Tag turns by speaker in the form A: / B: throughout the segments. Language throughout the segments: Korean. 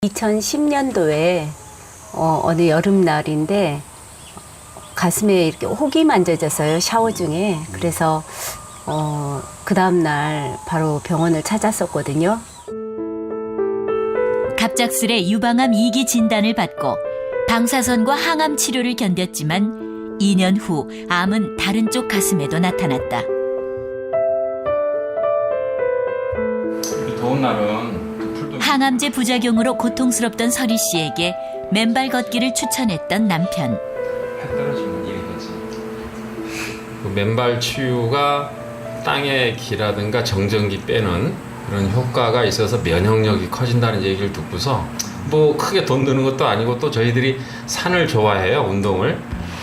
A: 2010년도에 어느 여름날인데 가슴에 이렇게 혹이 만져졌어요, 샤워 중에. 그래서 그 다음날 바로 병원을 찾았었거든요.
B: 갑작스레 유방암 2기 진단을 받고 방사선과 항암 치료를 견뎠지만 2년 후 암은 다른 쪽 가슴에도 나타났다.
C: 이 더운 날은 풀도
B: 항암제 부작용으로 고통스럽던 서리 씨에게 맨발 걷기를 추천했던 남편.
C: 해 떨어지면 일이 되지.
D: 그 맨발 치유가 땅의 기라든가 정전기 빼는 그런 효과가 있어서 면역력이 커진다는 얘기를 듣고서 뭐 크게 돈 드는 것도 아니고 또 저희들이 산을 좋아해요, 운동을.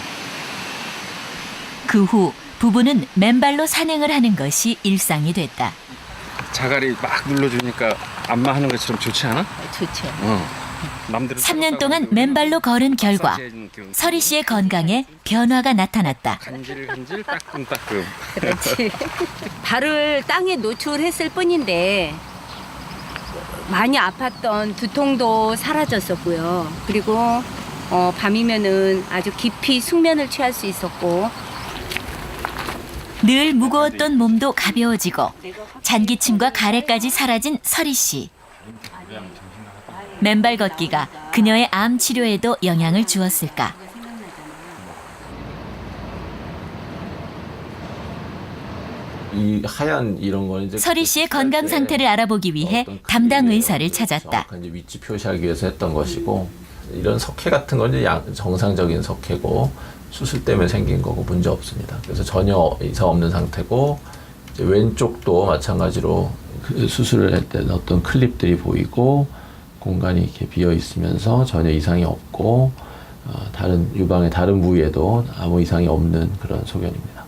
B: 그 후 부부는 맨발로 산행을 하는 것이 일상이 됐다.
C: 자갈이 막 눌러주니까 안마 하는 것처럼 좋지 않아?
A: 좋죠.
C: 남들은
B: 3년 동안 맨발로 걸은 결과 서리 씨의 건강에 변화가 나타났다.
C: 간질간질 따끔따끔.
A: 그렇지. 발을 땅에 노출했을 뿐인데 많이 아팠던 두통도 사라졌었고요. 그리고 밤이면은 아주 깊이 숙면을 취할 수 있었고,
B: 늘 무거웠던 몸도 가벼워지고 잔기침과 가래까지 사라진 서리 씨. 맨발 걷기가 그녀의 암 치료에도 영향을 주었을까?
E: 이 하얀 이런 거는 이제
B: 서리 씨의 건강 상태를 알아보기 위해 담당 의사를 찾았다.
E: 정확한 이제 위치 표시하기 위해서 했던 것이고, 이런 석회 같은 건 이제 정상적인 석회고 수술 때문에 생긴 거고 문제 없습니다. 그래서 전혀 이상 없는 상태고, 이제 왼쪽도 마찬가지로 그 수술을 할 때 어떤 클립들이 보이고 공간이 이렇게 비어 있으면서 전혀 이상이 없고, 다른 유방의 다른 부위에도 아무 이상이 없는 그런 소견입니다.